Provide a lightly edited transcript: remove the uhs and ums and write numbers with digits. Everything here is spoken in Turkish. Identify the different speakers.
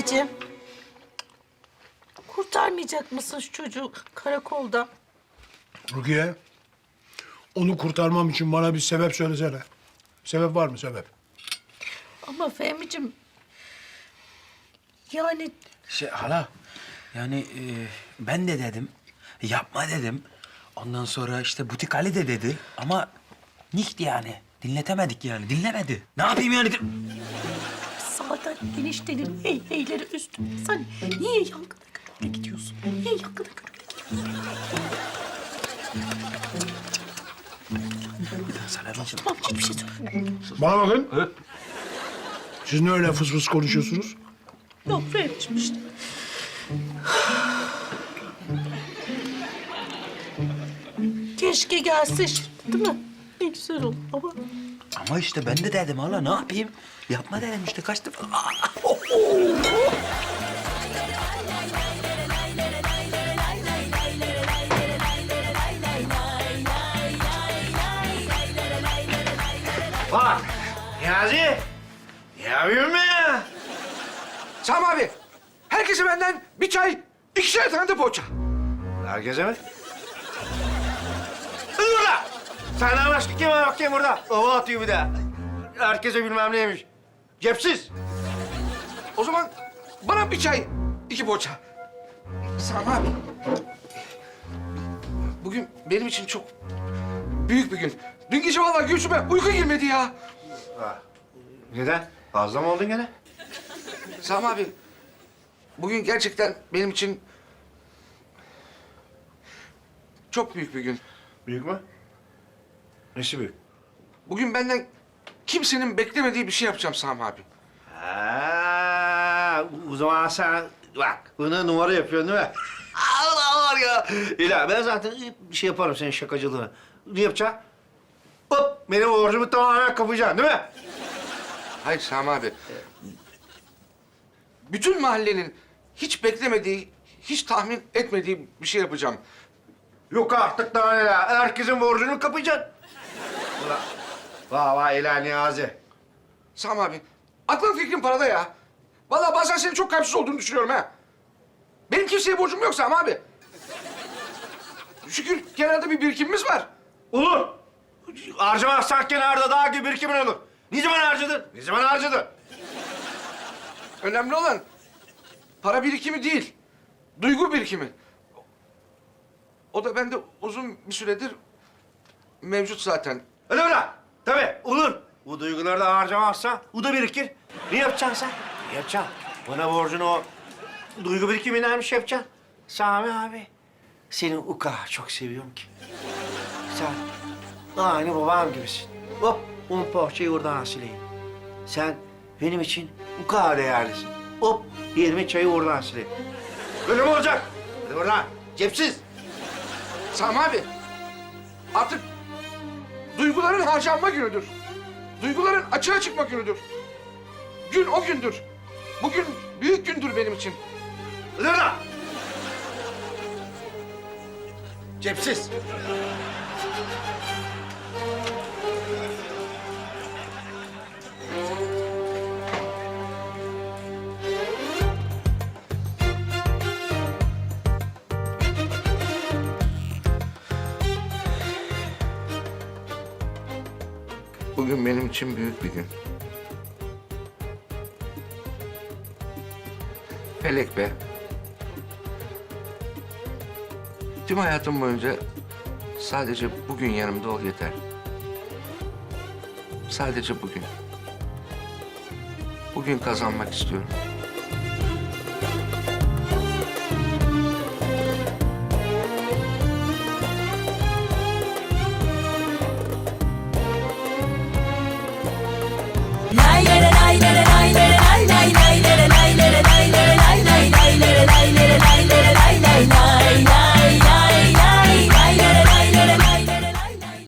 Speaker 1: Fehmi'ciğim. Kurtarmayacak mısın şu çocuğu karakolda?
Speaker 2: Rukiye, onu kurtarmam için bana bir sebep söylesene. Sebep var mı sebep?
Speaker 1: Ama Fehmi'ciğim... Yani
Speaker 3: Hala, yani ben de dedim, yapma dedim. Ondan sonra işte butik Ali de dedi ama nicht yani. Dinletemedik yani, dinlemedi. Ne yapayım yani?
Speaker 1: zaten eniştenin heyleri üstüne. Sen niye yangına körükle gidiyorsun? Niye yangına körükle gidiyorsun? Tamam, hiçbir şey söyleme.
Speaker 2: Bana bakın. Siz ne öyle fıs fıs konuşuyorsunuz?
Speaker 1: Yok Fehmi'ciğim işte. Keşke gelse şimdi, değil mi? Ne güzel olur ama...
Speaker 3: Ama işte ben de dedim hala, ne yapayım? Yapma dedim işte, kaç defa.
Speaker 4: Bak, Niyazi. Ne yapıyorsun be ya?
Speaker 5: Sami abi, herkese benden bir çay, 2'şer tane de poğaça.
Speaker 4: Herkese mi? Dur burada! Senden başka kim var bakayım burada? Hava atıyor bir de. Herkese bilmem neymiş. Cepsiz.
Speaker 5: O zaman bana bir çay, 2 poğaça. Sami abi, bugün benim için çok büyük bir gün. Dün gece vallahi göğsüme uyku girmedi ya.
Speaker 4: Neden? Fazla mı oldun gene?
Speaker 5: Sami abi, bugün gerçekten benim için çok büyük bir gün.
Speaker 4: Büyük mü? Nesi büyük?
Speaker 5: Bugün benden kimsenin beklemediği bir şey yapacağım Sami abi.
Speaker 4: Ha, o zaman sen bak bunu numara yapıyorsun değil mi? Allah var ya. İla ben zaten bir şey yaparım senin şakacılığını. Ne yapacaksın? Hop benim borcumu tamamen kapayacaksın değil mi?
Speaker 5: Hayır Sami abi. Bütün mahallenin hiç beklemediği, hiç tahmin etmediği bir şey yapacağım.
Speaker 4: Yok artık daha neler. Herkesin borcunu kapayacaksın. Ulan vah vah İla Niyazi.
Speaker 5: Sami abi, aklın fikrin parada ya. Vallahi bazen senin çok kalpsiz olduğunu düşünüyorum ha. Benim kimseye borcum yok Sami abi. Şükür kenarda bir birikimimiz var.
Speaker 4: Olur. Harcamazsan kenarda daha gibi birikimin olur. Ne zaman harcadın? Ne zaman harcadın?
Speaker 5: Önemli olan para birikimi değil, duygu birikimi. O da bende uzun bir süredir mevcut zaten.
Speaker 4: Öyle mi lan? Tabii olur. Bu duyguları da harcamazsan bu da birikir. Ne yapacaksın sen? Ne yapacaksın? Bana borcunu o duygu birikiminden bir şey yapacaksın. Sami abi, seni o kadar çok seviyorum ki. Sen aynı babam gibisin. Hop, 10 poğaçayı oradan sileyim. Sen benim için o kadar değerlisin. Hop, 20 çayı oradan sileyim. Böyle mi olacak? Hadi oradan, cepsiz.
Speaker 5: Sami abi, artık duyguların harcanma günüdür. Duyguların açığa çıkma günüdür. Gün o gündür. Bugün büyük gündür benim için.
Speaker 4: Hadi oradan. Cepsiz.
Speaker 5: Bugün benim için büyük bir gün. Felek be. Tüm hayatım boyunca sadece bugün yanımda ol yeter. Sadece bugün. Bugün kazanmak istiyorum.
Speaker 6: La la